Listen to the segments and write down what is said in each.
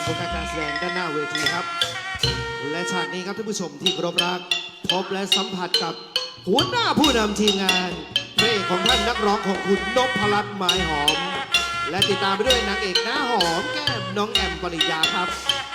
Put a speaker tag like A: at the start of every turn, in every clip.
A: ลการแสดงด้านหน้าเวทีครับและฉากนี้ครับท่านผู้ชมที่เคารพรักพบและสัมผัสกับหัวหน้าผู้นำทีมงานเพลงของท่านนักร้องของคุณนพรัตน์ไม้หอมและติดตามไปด้วยนางเอกหน้าหอมแก้มน้องแอมปริยาครับ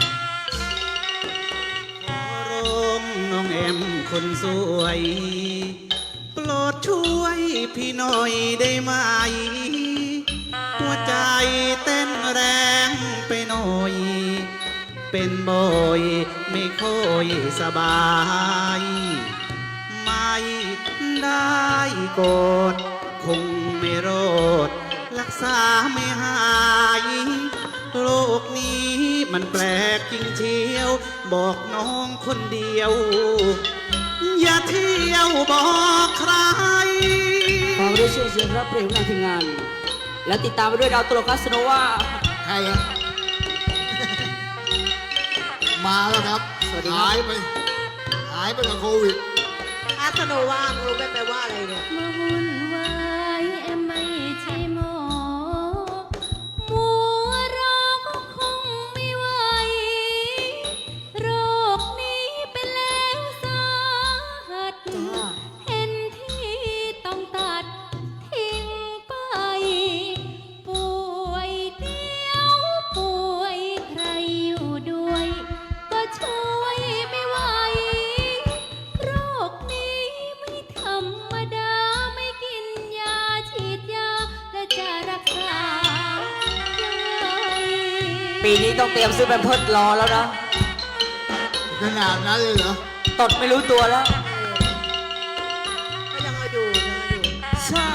B: รมน้องแอมคนสวยโปรดช่วยพี่หน่อยได้ไหมหัวใจเต้นแรงไปหน่อยเป็นบ่อยไม่ค่อยสบายไม่ได้กดคงไม่รอดรักษาไม่หายโลกนี้มันแปลกจริงเชียวบอกน้องคนเดียวอย่าเที่ยวบอกใคร
C: ขอด้วยเสียงรับเพลงของทีมงานและติดตามไปด้วยดาวตลกคาสโนวา
D: ใครอะมาแล้วครับหายไปกับโควิด
E: คาสโนวารู้ไหมแปลว่าอะไรเนี่ย
F: มาวุ่นวายแอมไม่ใช่หมอมัวรอก็คงไม่ไหวโรคนี้เป็นแล้วสาหัสเห็นที่ต้องตัดทิ้งไปป่วยเดียวป่วยใครอยู่ด้วยก็ช่วยไม่ไหวโรคนี้ไม่ธรรมดาไม่กินยาฉีดยาและจะรักษายังไง
C: ปีนี้ต้องเตรียมซื้อแพมเพิร์สรอแล้วนะ
D: ขนาดนั้นเลยเหรอ
C: ตดไม่รู้ตัวแล้ว
E: ก็ยังเอาอยู่
C: ใช่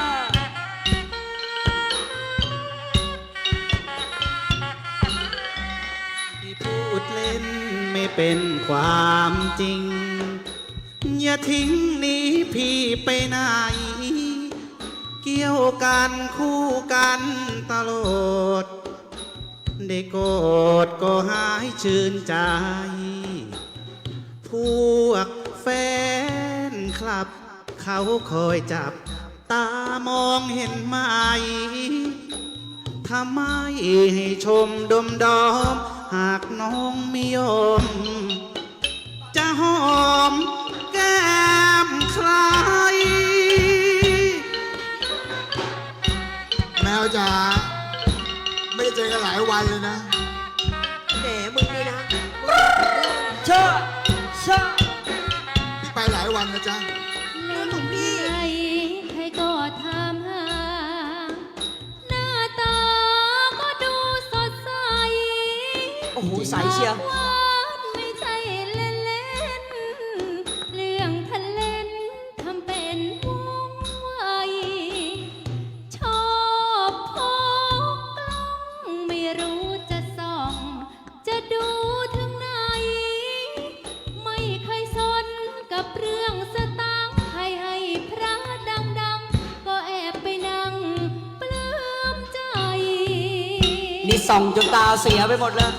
B: ที่พูดเล่นไม่เป็นความจริงอย่าทิ้งหนีพี่ไปไหนเกี่ยวกันคู่กันตลอดได้กอดก็หายชื่นใจพวกแฟนคลับเขาคอยจับตามองเห็นไหมทำไมให้ชมดมดอมหากน้องไม่ยอมจะหอมแก้มใคร
D: แมวจ๋าไม่ได้เจอกันหลายวันเลยนะ
E: แหมมึงนี่นะ
C: เชื่อ
D: พี่ไปหลายวันนะจ๊ะ
F: เล่นของพี่ใครก็ถามหาหน้าตาก็ดูสดใส
C: โอ้โหใสเชียว
F: ไม่ใช่เล่นเล่นเรื่องทะเล่นทำเป็นว่องไวชอบพกกล้องไม่รู้จะส่องจะดูถึงไหนไม่เคยสนกับเรื่องสตังค์ให้พระดังๆก็แอบไปนั่งปลื้มใจ
C: นี่ส่องจนตาเสียไปหมดแล้ว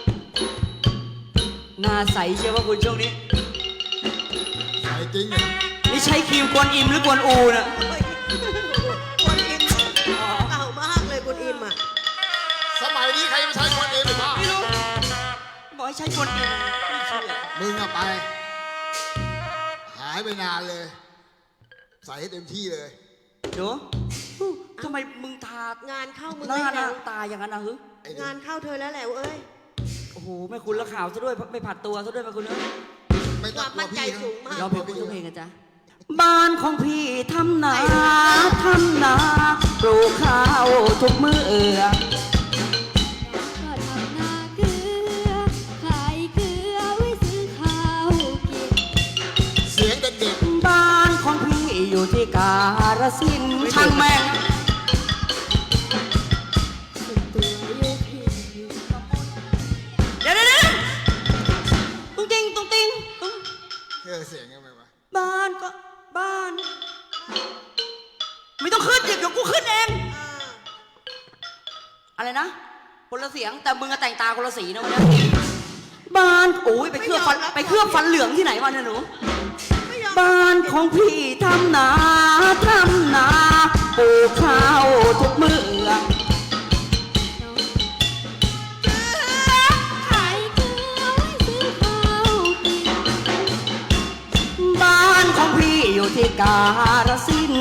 C: หน้าใสเชียวว่าคุณช่วงนี้
D: ใสจริงเหรอ
C: นี่ใช้ครีมกวนอิมหรือกวนอูนะ
E: กวนอิมเก่ามากเลยกวนอิมอ่ะ
D: สมัยนี้ใครไม่ใช้คนเองหรือเปล่า
C: ไม่รู้บอกให้ใช้กวนอิมไม่เชื่อ
D: มึงอะไปหายไปนานเลยใส่ให้เต็มที่เลย
C: เดี๋ยวทำไมมึงทาง
E: านเข้ามึง
C: หน้า
E: ไม่แล้ว
C: ตาอย่างนั้นนะฮึ
E: งานเข้าเธอแล้วแหละเอ้ย
C: โอ้โหแม่คุณละข่าวซะด้วยไม่ผัดตัวซะด้วยแม่คุณเอ้ย
E: ความมั่นใจสูงมาก
C: เราเพลงทุกเพลงกันจ้ะบ้านของพี่ทำนาปลูกข้าวทุกมื้อ
F: ก็ทำนาเกลือขายเกลือไว้ซื้อข้าวกิน
D: เสียงเด็ก
C: บ้านของพี่อยู่ที่กาฬสินธุ์ช่างแม่ง
D: เสียงยังไงวะ
C: บ้านก็บ้านไม่ต้องขึ้นเดี๋ยวกูขึ้นเองอะไรนะคนละเสียงแต่มึงอะแต่งตาคนละสีนะวันนี้บ้านโอ้ยไปเคลือบฟันเหลืองที่ไหนมาเนี่ยหนูบ้านของพี่ทำนาปลูกข้าวทุกมื้อที่การสินธุ์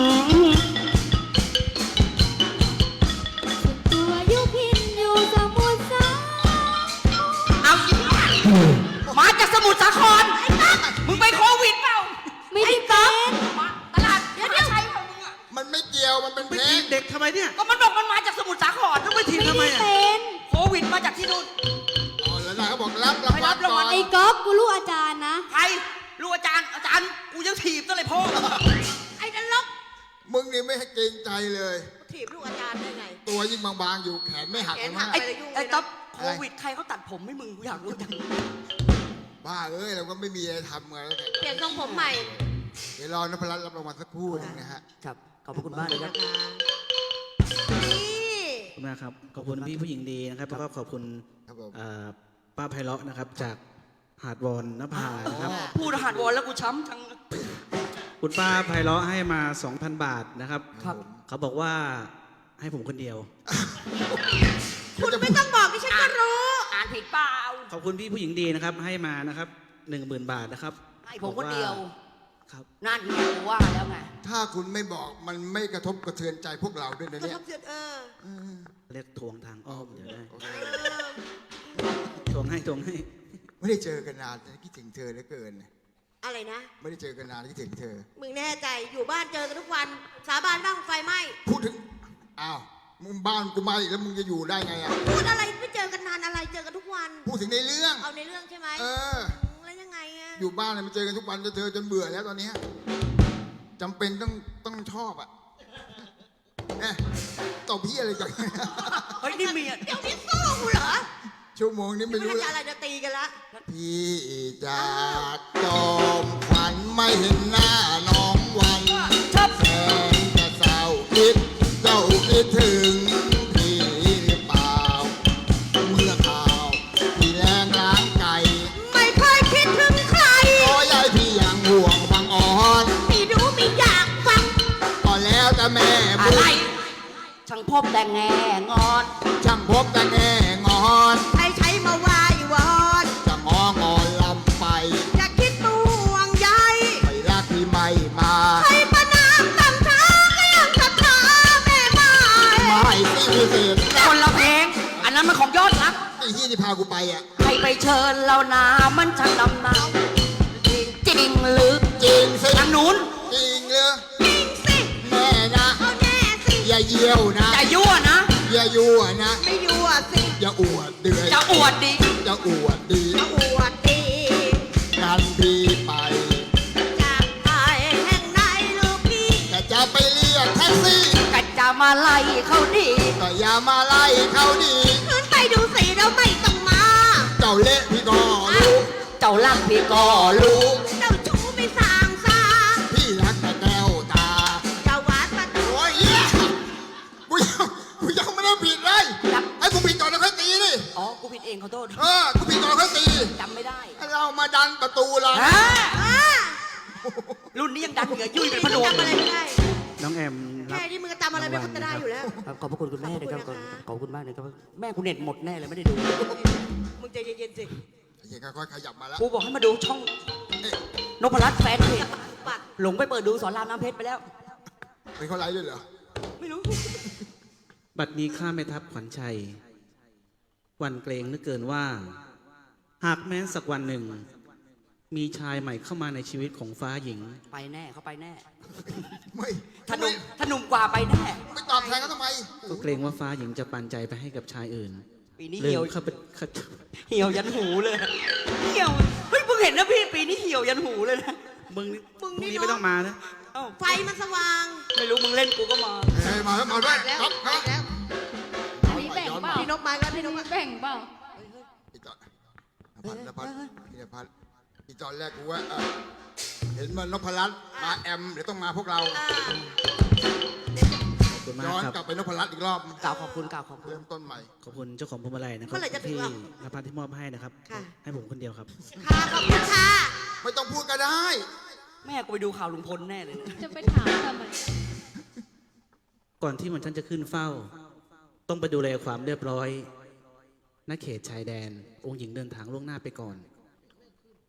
F: ตัวอยู่พินอยู่สมุทรสา
C: เอาอีกมาจากสมุทรสาครมึงไปโควิดเปล่า
F: ไม่ได้เป็น
C: มาตลาดเดี๋ยวใช้ของมึงอะ
D: มันไม่เกี่ยวมันเป็น
B: ไป
D: เพล
B: ที
D: ง
B: บเด็กทำไมเนี่ย
C: ก็มันบอกมันมาจากสมุทรสาคร
B: ต้องไปทีบทำไม
F: ไม่
B: อ่ะ
F: ได้เป็น
C: โควิดมาจากที่นู่น
D: อ๋อแล้วนายเขาบอกรับราง
C: ไป
D: วั
C: รั
D: ล
C: บราง
D: ก่
C: วั
D: อ
C: ล
D: น
F: ไอ้ก๊อฟกูรู้อาจารย์นะ
C: ใครรู้อาจารย์กูยังถีบซะเลยพ่อไอ้นรก
D: มึงนี่ไม่ให้เกรงใจเลย
E: ถีบลูกอาจารย์ได้ไง
D: ตัวยิ่งบางๆอยู่แขนไม่หัก
E: แขน
D: เลย
E: หั
D: มั้
E: ก
D: ง
C: ไอ้ต๊อบโควิดใครเขาตัดผมให้มึงกูอยากรู้จัง
D: บ้าเอ้ยเราก็ไม่มีอะไรทำไงแล้วแต่
E: เปลี่ยนทรงผมใหม่
D: เดี๋ยวรอนพรัตน์รับรางวัลสักครู่หนึงนะฮะ
C: ครับขอบพระคุณมากเลยครับ
E: นี่
B: ขอบคุณมากครับ ขอบคุณพี่ผู้หญิงดีนะครับแล้วก็ขอบคุณ
D: ครับผม
B: ป้าไพเราะนะครับจากหาดวอนนภานะครับ
C: พูดหัดวอนแล้วกูช้ำจัง
B: คุณป้าไพเราะให้มา 2,000 บาทนะครับ
C: ครับ
B: เขาบอกว่าให้ผมคนเดียว
E: คุณไม่ต้องบอกดิฉันก็รู้
C: อ่านผิดเปล่า
B: ขอบคุณพี่ผู้หญิงดีนะครับ ให้มานะครับ10,000 บาทนะครับ
C: ให้ผมคนเดียว
B: ครับ
C: นั่นไงกูว่าแล้วไง
D: ถ้าคุณไม่บอกมันไม่กระทบกระเทือนใจพวกเราด้วยนะ
E: กระ
D: เนี่
E: ท
D: ย
E: บเสียด
B: เรียกทวงทางอ้อมเดี๋ยวได้
D: โอเค
B: ทวงให้
D: ไม่ได้เจอกันนานแต่คิดถึงเธอเหลือเกิน
E: อะไรนะ
D: ไม่ได้เจอกันนานคิดถึงเธอ
E: มึงแน่ใจ อยู่บ้านเจอกันทุกวัน สาบานบ้างไฟไหม้
D: พูดถึงอ้าวมึงบ้านกูมาอีกแล้วมึงจะอยู่ได้ไงอ่ะ
E: พูดอะไรไม่เจอกันนานอะไร เจอกันทุกวัน
D: พูดถึงในเรื่อง
E: เอาในเรื่องใช่ไหม
D: เออ
E: แล้วยังไงอะ
D: อยู่บ้านเนี่ยมันเจอกันทุกวันจะเจอจนเบื่อแล้วตอนเนี้ยจำเป็นต้องชอบอ่ะเนี่ยตบพี่อะไรกัน
C: เฮ้ยนี่เมีย
E: เดี๋ยวนี้สู้กูเหรอ
D: ชั่วโมงนี้ไม่
E: ไม่
D: รู้
E: รู้
D: แล้
E: จะ
D: ว
E: อะไรจะตีกันละ
D: พี่จากจอมขวัญไม่เห็นหน้าน้องวัน
C: ชอบ
D: แสนจะเศร้าคิดเจ้าคิดถึงพี่หรือเปล่า เมื่อข่าวพี่แรงล้างไก่
E: ไม่เคยคิดถึงใคร
D: โอ้ยายพี่ยังห่วงบางอ่อน
E: ไม่รู้ไม่อยากฟัง
D: ก็แล้วแต่แม่
C: อะ
D: บุ
C: ไร
D: ญ
C: ช่างพบแต่แง่งอน
D: ช่างพบแต่แง่งอน
E: ใช้มาไหววอน
D: จะงองอนลำไป
E: จะคิดตวงใย
D: ไม่รักที่ไม่มา
E: ใครประนามตั้งช้าก็ยังศรัทธาแม่ไม้
D: ไม่สิวิเศษ
C: คนละเพลง อันนั้นมันของยอดรัก
D: ไอ้ที่นี่พากูไปอ่ะ
C: ให้ไปเชิญเรานามันช่างนำหนาจริงหรือ
D: จริงสิ
C: ทางนู้น
D: จริงเลย
E: จริงสิ
D: แม่นะ
E: เอาแน่สิ
D: อย่าเยี่ยวนะ
C: จะยั่วนะ
D: อย่ายั่วนะ
E: ไม่ยั่วสิ
D: อย่าอวดเดือย
C: จะอวดดิ
D: จะอวดดี
E: จะอวดดี
D: กันพี่ไป
E: จากไปแห่งไหนลูกพี่
D: แต่จะไปเรียกแท็กซี่
C: ก็จะมาไล่เขาดี
D: ก็อย่ามาไล่เขาดี
E: ขึ้นไปดูสิแล้วไม่ต้องมา
D: เจ้าเละพี่ก็รู้
C: เจ้าลักพี่ก็รู้
E: เจ้าชู้ไม่สร้างสา
D: พี่รักแต่แก้วตา
E: เจ้าหวานประตู
D: โอ้ยเหี้ยกูยังไม่ได้ผิดเลยให้กูผิดก่อนแล้วค่อยตีดิ
C: อ๋อ กูผิดเองขอโทษ
D: กูผิดก่อนแล้วค่อยตี
C: จำไม่ได้
D: ให้เรามาดันประตูเรา
C: ฮะ
E: อ่า
C: รุ่นนี้ยังดันเหงื่อยุ่ยเป็นพะโด
E: จำอะไรไม่ได้
B: น้องแอมรั
E: แค่
B: บ
E: นี้มึงก็จำอะไรไม่ได้อยู่แล้ว
C: ขอบพระคุณคุณแม่ด้วยครับ
E: ขอบคุณนะคะ
C: ขอบคุณมากเลยครับ แม่กูเน็ตหมดแน่เลยไม่ได้ดู
E: มึงใจเย็นๆสิ
D: เฮ้ยค่อยๆขยับมาแล้ว
C: กูบอกให้มาดูช่อง
D: เอ๊ะ
C: นพรัตน์แฟนเพจ
E: ปัด
C: หลงไปเปิดดูสอนรามน้ำเพชรไปแล้ว
D: เป็นเขาไลฟ์ด้วยเหรอ
C: ไม่รู้
B: บัดนี้ข้าแม่ทัพขวัญชัยหวันเกรงเหลือเกินว่า หากแม้สักวันหนึ่ง มีชายใหม่เข้ามาในชีวิตของฟ้าหญิง
C: ไปแน่เขาไปแน่
D: ไม่
C: ถ้าหนุ่มกว่าไปแน่
D: ไม่ตอบแทนเขาทำไม
B: ก็เกรงว่าฟ้าหญิงจะปันใจไปให้กับชายอื่น
C: ปีนี้
B: เรื่
C: เหี่ยว
B: เข้าไปเข้า
C: เหี่ยวยันหูเลย เหี่ยว เฮ้ยเพิ่งเห็นนะพี่ปีนี้เหี่ยวยันหูเลยนะ
B: มึง
E: มึง
B: พรุ่ง
E: นี่
B: นี้
E: เนอะ
B: ไม่ต้องมานะ
C: เอ้า
E: ไฟมันสว่าง
C: ไม่รู้มึงเล่นกูก็มา
D: เฮ้ยมาแล้วมาด้วย
E: แล้ว
D: ครับค
E: มา
D: รับ
E: แล้ว
F: อันนี้แบ่งเปล่า
E: พี่นกมาแล้วพี่นกมา
F: แบ่งเปล่า
D: อีจอนนภัสพี่นภัสอีจอนแรกกูว่าเห็นมันนพรัตน์มาแอมเดี๋ยวต้องมาพวกเรา
E: อ่า
B: ขอบคุณมาก
D: ย้อน
B: ครับ
D: กลับไปนพรัตน์อีกรอบ
C: กล่าวขอบคุณกล่าวขอบคุณ
D: เริ่มต้นใหม่
B: ขอบคุณเจ้าของพวงมาลัยนะครั
E: เมื่อไหร่จะถึง
B: ที่
E: เรา
B: นภัสที่มอบให้นะครับ
E: ค่ะ
B: ให้ผมคนเดียวครับ
E: ค่ะขอบคุณค่ะ
D: ไม่ต้องพูดก็ได้
C: แม่กูไปดูข่าวลุงพลแน่เลยนะ
F: จะไปถามทำไม
B: ก่อนที่มันท่านจะขึ้นเฝ้า ต้องไปดูแลความเรียบร้อยณเขตชายแดน องค์หญิงเดินทางล่วงหน้าไปก่อน ไป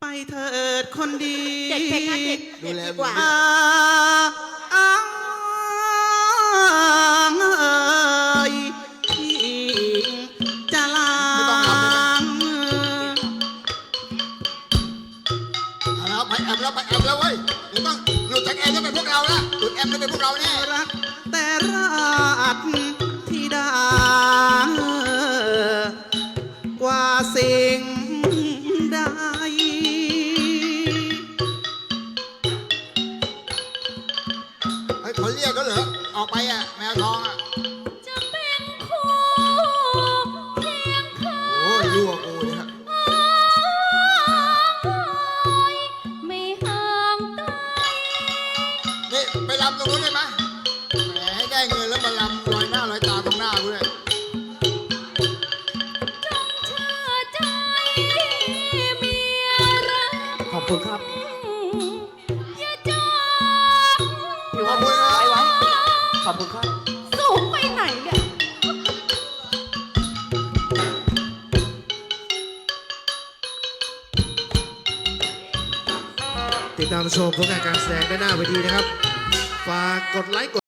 B: เถิดคนดี
E: เด็กเพลงงานเด็ก
D: ดูแล
E: ดีกว่า
B: อ่างเอ่ยที่จะลาง
D: เอาแล้วไปแอมแล้วไปแอมแล้วเว้ยเดี๋ยวต้องหลุดจากแอมจะเป็นพวกเราละหลุดแอมจะเป็นพวกเราแน่
B: รักแต่ราชธิดา กว่าสิ่งใด
D: ไอ้ยเขาเรียกก็เหรอออกไปอ่ะแมวทองอ่ะ
F: จะเป็นคู่เคียงข้าง
D: โอ้ยยั่วกูเนี่ย
F: ไม่ห่างไกล
D: นี่ไปรำตรงนู้นได้ไหมแหมให้ได้เงินแล้วมารำลอยหน้าลอยตาตรงหน้ากูเลย
F: จงเชื่อใจเมียรัก
C: ขอบคุณครับ
F: อย่าจอง
C: พี่ว่าไว้ไว้ ขอบคุณครับ
F: สูงไปไหนเนี่ย
A: ติดตามชมผลงานการแสดงได้หน้าเวทีนะครับ ฝากกดไลค์